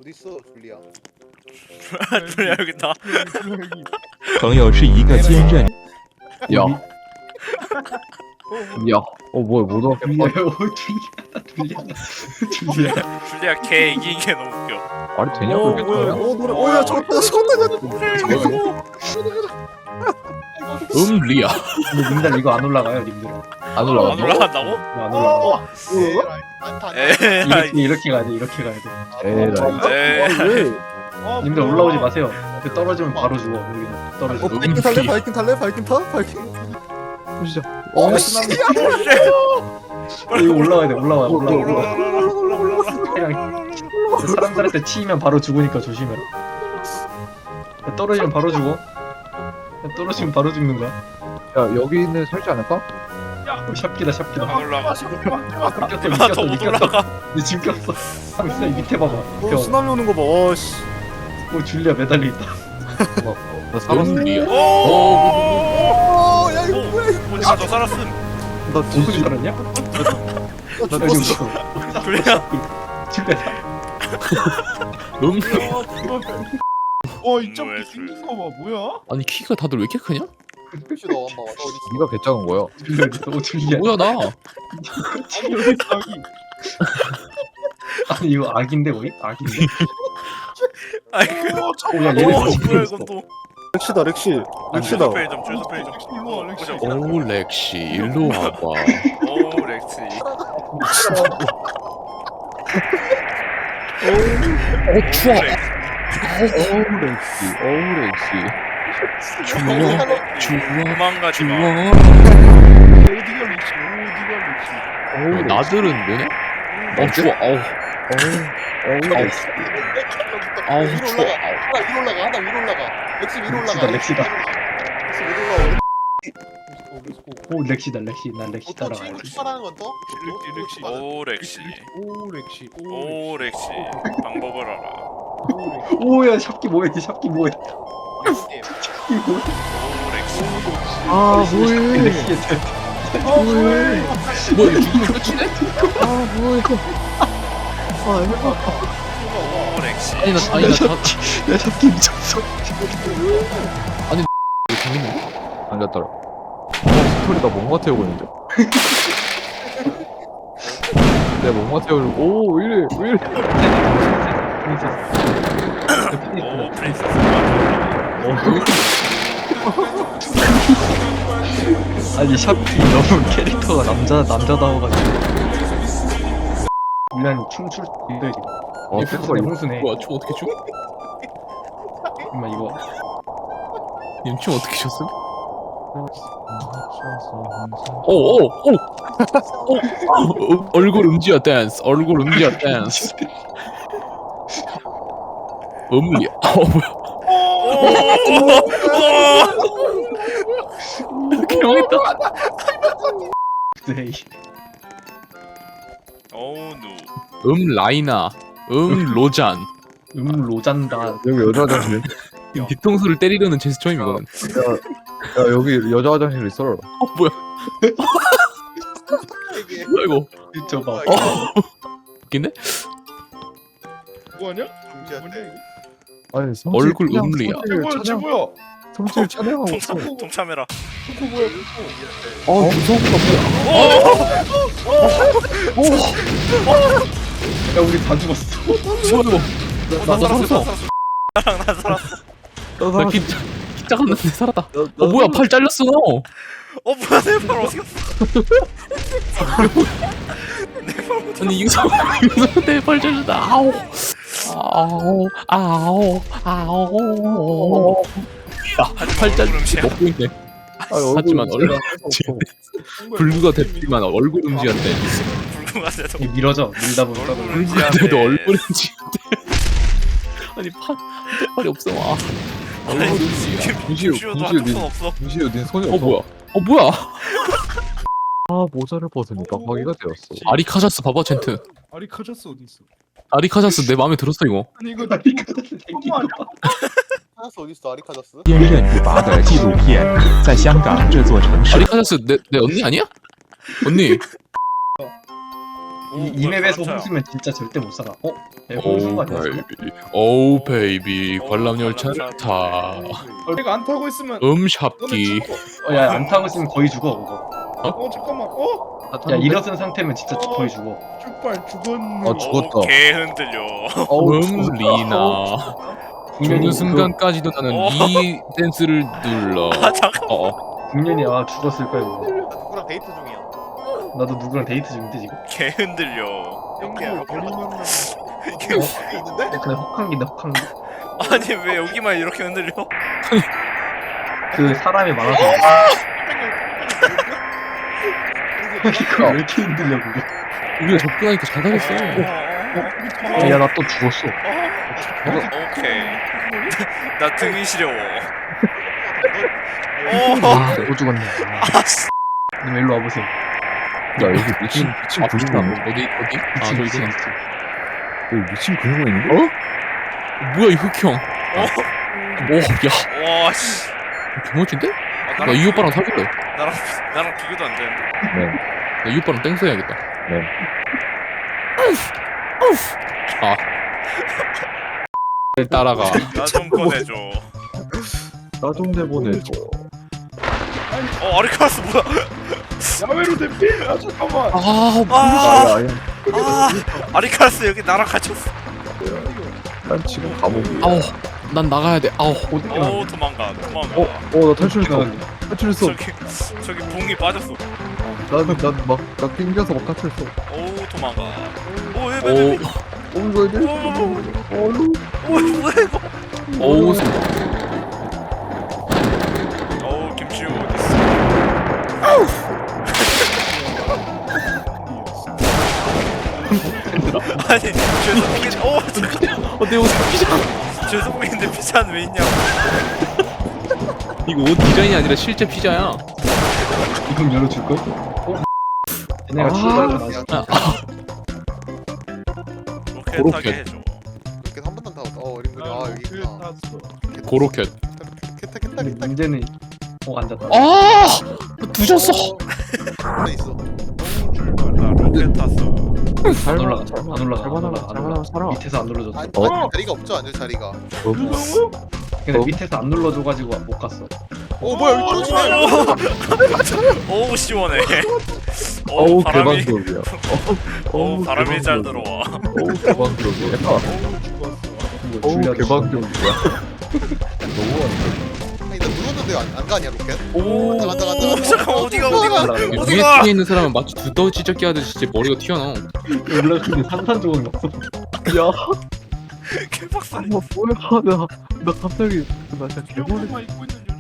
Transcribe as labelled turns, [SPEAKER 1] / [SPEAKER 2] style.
[SPEAKER 1] 어딨어 줄리아?
[SPEAKER 2] 줄리아 여기 있다.
[SPEAKER 3] 朋友是一个坚韧。
[SPEAKER 4] 야, 야, 뭐야, 못 왔.
[SPEAKER 2] 줄리아 걔 이기는 게 너무 웃겨.
[SPEAKER 4] 말이 되냐 그게
[SPEAKER 1] 뭐야?
[SPEAKER 4] 거야?
[SPEAKER 1] 노래. 오야 졌다
[SPEAKER 4] 리아
[SPEAKER 5] 근데 님들 이거 안 올라가요, 님들.
[SPEAKER 4] 안 올라가.
[SPEAKER 2] 안 올라간다고?
[SPEAKER 5] 안 올라가.
[SPEAKER 2] 에이.
[SPEAKER 5] 이렇게 가야 돼, 이렇게 가야 돼.
[SPEAKER 2] 에이.
[SPEAKER 5] 님들 올라오지 마세요. 그 떨어지면 바로 죽어. 여기서 떨어져.
[SPEAKER 1] 바이킹 탈래? 바이킹 탈래? 바이킹 타? 바이킹.
[SPEAKER 4] 보시죠.
[SPEAKER 5] 이거 올라가야 돼, 올라와. 그냥 사람들한테 치이면 바로 죽으니까 조심해. 떨어지면 바로 죽어. 떨어지면 바로 죽는 거야.
[SPEAKER 4] 야, 여기는 살지 않을까?
[SPEAKER 5] 샵기다.
[SPEAKER 2] 안 올라가.
[SPEAKER 5] 미꼈어.
[SPEAKER 2] 못 올라가.
[SPEAKER 5] 내 지금 꼈어. 이 밑에 봐봐.
[SPEAKER 1] 쓰나미 오는 거 봐. 씨.
[SPEAKER 5] 오, 줄리아 매달려 있다.
[SPEAKER 4] 나 살았어. 리아.
[SPEAKER 1] 야 이거 뭐야?
[SPEAKER 2] 오지마 너 살았음.
[SPEAKER 1] 나
[SPEAKER 5] 어떻게 살았냐?
[SPEAKER 1] 나
[SPEAKER 5] 나
[SPEAKER 1] 죽었어.
[SPEAKER 2] 줄리아.
[SPEAKER 5] 줄리아.
[SPEAKER 6] 이 점프 생긴 거 봐, 뭐야?
[SPEAKER 7] 아니 키가 다들 왜 이렇게 크냐?
[SPEAKER 1] 혹시 너 한번 와. 너 어디
[SPEAKER 4] 네가 개작은 거야.
[SPEAKER 5] 줄리아.
[SPEAKER 7] 뭐야 나?
[SPEAKER 6] 아니 왜 자기
[SPEAKER 5] 아니 이거 악인데 거의? 악인데?
[SPEAKER 2] 아이고.
[SPEAKER 5] 오, 야 얘네
[SPEAKER 2] 뭐야
[SPEAKER 5] 다시
[SPEAKER 2] 이건 또.
[SPEAKER 1] 렉시다 렉시. 렉시다.
[SPEAKER 2] 주소 페이점 주소 페이점.
[SPEAKER 6] 일로 와, 렉시.
[SPEAKER 7] 오 렉시 일로 와봐.
[SPEAKER 2] 오 렉시.
[SPEAKER 7] 추워.
[SPEAKER 4] 렉시.
[SPEAKER 7] 추워.
[SPEAKER 2] 도망가지 마.
[SPEAKER 6] 어디가 렉시?
[SPEAKER 7] 나들은 뭐냐? 추워. 아우
[SPEAKER 1] 위로
[SPEAKER 7] 추워.
[SPEAKER 1] 올라가. 하나 위로 올라가. 렉시 위로 올라가.
[SPEAKER 5] 렉시다.
[SPEAKER 1] 렉시 위로 올라가.
[SPEAKER 5] 오 렉시다. 난 렉시
[SPEAKER 1] 또
[SPEAKER 5] 따라가야
[SPEAKER 1] 친구
[SPEAKER 5] 돼.
[SPEAKER 1] 추가하는 건 또?
[SPEAKER 6] 렉시.
[SPEAKER 2] 오 렉시.
[SPEAKER 6] 오 렉시.
[SPEAKER 2] 오 렉시. 방법을 알아.
[SPEAKER 5] 오야 샵기 뭐야? 샵기 뭐야?
[SPEAKER 2] 오 렉시.
[SPEAKER 4] 아,
[SPEAKER 5] 렉시.
[SPEAKER 7] 뭐 이거 죽으면 끝이네?
[SPEAKER 2] 오 렉시.
[SPEAKER 7] 아니 나
[SPEAKER 5] 야 샵기 미쳤어.
[SPEAKER 7] 재밌네.
[SPEAKER 4] 앉았더라. 스토리가 뭔가 태우고 있는데. 내가 뭔가 태우고. 오, 왜 이래?
[SPEAKER 2] 오 프린세스.
[SPEAKER 5] 아니 샵기 너무 캐릭터가 남자다워가지고. 미안 춤출 때 지금. 홍수네.
[SPEAKER 7] 뭐야 춤 어떻게 춰?
[SPEAKER 5] 엄마 이거.
[SPEAKER 7] 님춤 어떻게 췄음? 오 얼굴 음지야 댄스. 음리야. 뭐야? 개망했다.
[SPEAKER 5] 네.
[SPEAKER 2] 오우 누.
[SPEAKER 7] 라이나. 로잔.
[SPEAKER 5] 로잔다.
[SPEAKER 4] 여기 여자 화장실.
[SPEAKER 7] 뒤통수를 때리려는 제스처임이거든.
[SPEAKER 4] 야, 여기 여자 화장실 있어.
[SPEAKER 7] 뭐야?
[SPEAKER 1] 이게
[SPEAKER 7] 뭐야 이거?
[SPEAKER 5] 저봐.
[SPEAKER 7] 웃긴데?
[SPEAKER 6] 뭐하냐?
[SPEAKER 1] 중지한테.
[SPEAKER 4] 아니,
[SPEAKER 7] 얼굴 음리야.
[SPEAKER 6] 뭐야?
[SPEAKER 4] 성질 찬양하고 있어.
[SPEAKER 2] 동참해라.
[SPEAKER 6] 초코 뭐야?
[SPEAKER 5] 야 우리 다 죽었어.
[SPEAKER 7] 나 살았어.
[SPEAKER 2] 나 살았어.
[SPEAKER 7] 나 기차 갔는데 살았다. 뭐야 팔 잘렸어.
[SPEAKER 2] 뭐야 내발 어디 갔어?
[SPEAKER 7] 아니 유성 내팔 잘렸다. 아우. 팔 잘렸지 먹고 있네. 하지만 얼굴 불구가 됐지만 얼굴 음지한테.
[SPEAKER 2] 불구가 돼도
[SPEAKER 5] 밀다 보니까.
[SPEAKER 7] 불구한테도 얼굴 음지한테. 아니 팔이 없어. 얼굴 음지야.
[SPEAKER 2] 무시우도 한손 없어.
[SPEAKER 4] 무시우, 네 손이 없어.
[SPEAKER 7] 뭐야?
[SPEAKER 4] 아, 모자를 벗으니까 화기가 되었어.
[SPEAKER 7] 아리카자스 봐봐 젠트.
[SPEAKER 6] 아리카자스 어디 있어?
[SPEAKER 7] 아리카자스 내 마음에 들었어 이거.
[SPEAKER 6] 아니 이거
[SPEAKER 5] 아리카자스 생긴 거.
[SPEAKER 1] 하나스 어디 있어? 아리카자스?
[SPEAKER 3] 坚韧不拔的纪录片，在香港这座城市。
[SPEAKER 7] 아리카자스 내 언니 아니야? 언니.
[SPEAKER 5] 이 맵에서 홍수면 진짜 절대 못 살아. 내가 홍수인 거 아니야? 지금?
[SPEAKER 7] 오 베이비 관람 열차를 타.
[SPEAKER 6] 내가 안 타고 있으면
[SPEAKER 7] 샵기.
[SPEAKER 5] 야, 안 타고 있으면 거의 죽어, 그거.
[SPEAKER 6] 잠깐만
[SPEAKER 5] 야, 일어선 상태면 진짜 거의 죽어.
[SPEAKER 6] 출발 죽었네.
[SPEAKER 4] 아, 죽었다.
[SPEAKER 2] 개 흔들려.
[SPEAKER 7] 리나.
[SPEAKER 5] 국년이
[SPEAKER 7] 죽는 순간까지도 나는 이 댄스를 눌러.
[SPEAKER 2] 아 잠깐.
[SPEAKER 5] 국년이 죽었을 거야, 이거.
[SPEAKER 1] 누구랑 데이트 중이야.
[SPEAKER 5] 나도 누구랑 데이트 중인데 지금.
[SPEAKER 2] 개 흔들려.
[SPEAKER 6] 땡겨 걸리면
[SPEAKER 2] 이게
[SPEAKER 1] 있는데?
[SPEAKER 5] 그냥 혹한기인데 혹한기.
[SPEAKER 2] 아니 왜 여기만 이렇게 흔들려?
[SPEAKER 5] 그 사람이 많아서. 이거 왜 이렇게 흔들려 그거?
[SPEAKER 7] 우리가 접근하니까 잘 당했어.
[SPEAKER 5] 야, 나 또 죽었어.
[SPEAKER 2] 오케이. 나 등이 시려워.
[SPEAKER 4] 또 죽었네.
[SPEAKER 5] 님 일로 와보세요.
[SPEAKER 4] 야 여기 미친 근육이 있네.
[SPEAKER 7] 어디? 아
[SPEAKER 5] 미친,
[SPEAKER 7] 저기구나.
[SPEAKER 5] 미친.
[SPEAKER 4] 여기 미친 근육이 있는데?
[SPEAKER 7] 뭐야 이 흑형? 오, 야,
[SPEAKER 2] 와 씨.
[SPEAKER 7] 개멋진데?
[SPEAKER 2] 아,
[SPEAKER 7] 나 이 오빠랑 사귈래.
[SPEAKER 2] 나랑 비교도 안 되는데.
[SPEAKER 4] 네.
[SPEAKER 7] 나 이 오빠랑 땡스 해야겠다.
[SPEAKER 4] 네.
[SPEAKER 7] 아. 따라가.
[SPEAKER 2] 나 좀 꺼내줘.
[SPEAKER 4] 나 좀 내보내줘.
[SPEAKER 2] 아리카스 뭐야?
[SPEAKER 6] 야외로 대피. 잠깐만.
[SPEAKER 2] 아,
[SPEAKER 4] 아야.
[SPEAKER 2] 아리카스 여기 나랑 갇혔어.
[SPEAKER 4] 난 지금 감옥이야.
[SPEAKER 7] 아우, 난 나가야 돼. 아우.
[SPEAKER 2] 오 도망가.
[SPEAKER 4] 나 탈출했어. 탈출했어.
[SPEAKER 2] 저기 봉이 빠졌어.
[SPEAKER 4] 나 낑겨서 막 탈출했어.
[SPEAKER 2] 오 도망가.
[SPEAKER 7] 오,
[SPEAKER 2] 왜?
[SPEAKER 4] 이거 이제.
[SPEAKER 2] 오 뭐야 이거?
[SPEAKER 7] 오우.
[SPEAKER 2] 오 김치우 어딨어? 아니 죄송한데 잠깐.
[SPEAKER 7] 내 옷에 피자.
[SPEAKER 2] 죄송한데 피자는 왜 있냐고.
[SPEAKER 7] 이거 옷 디자인이 아니라 실제 피자야.
[SPEAKER 5] 이건 열어줄걸? 얘네가 출발을
[SPEAKER 2] 로켓하게 해줘.
[SPEAKER 1] 이렇게 한 번도 안 타고. 어린분이 여기 있구나.
[SPEAKER 7] 고로켓.
[SPEAKER 1] 겠다.
[SPEAKER 5] 문제는 앉았다.
[SPEAKER 7] 아, 두셨어.
[SPEAKER 1] 안에 있어.
[SPEAKER 2] 나 로켓 탔어.
[SPEAKER 5] 안 올라가. 안 올라가.
[SPEAKER 4] 잘 가라. 살아.
[SPEAKER 5] 밑에서 안 눌러줬어.
[SPEAKER 1] 아니,
[SPEAKER 4] 어?
[SPEAKER 1] 자리가 없죠, 앉을 자리가.
[SPEAKER 5] 근데 밑에서 안 눌러줘가지고 못 갔어.
[SPEAKER 1] 뭐야 여기 떨어지네.
[SPEAKER 2] 오 시원해.
[SPEAKER 4] 어우
[SPEAKER 2] 바람이.
[SPEAKER 4] 개방적이야.
[SPEAKER 2] 오 바람이 잘 들어와.
[SPEAKER 4] 어우 개방적이야. 어우 개방적이야.
[SPEAKER 1] 아니 나 누웠는데 안 가냐 로켓?
[SPEAKER 7] 오.
[SPEAKER 1] 간다.
[SPEAKER 2] 잠깐 어디가
[SPEAKER 7] 위에
[SPEAKER 2] 어디가?
[SPEAKER 7] 뒤에 있는 사람은 마치 두더지 찢기 하듯이 진짜 머리가 튀어나와.
[SPEAKER 5] 올라가는데 산산조각이 없어.
[SPEAKER 4] 야,
[SPEAKER 2] 개박살.
[SPEAKER 4] 뭐야? 나 갑자기 나 진짜 개머리.
[SPEAKER 6] 입고 있는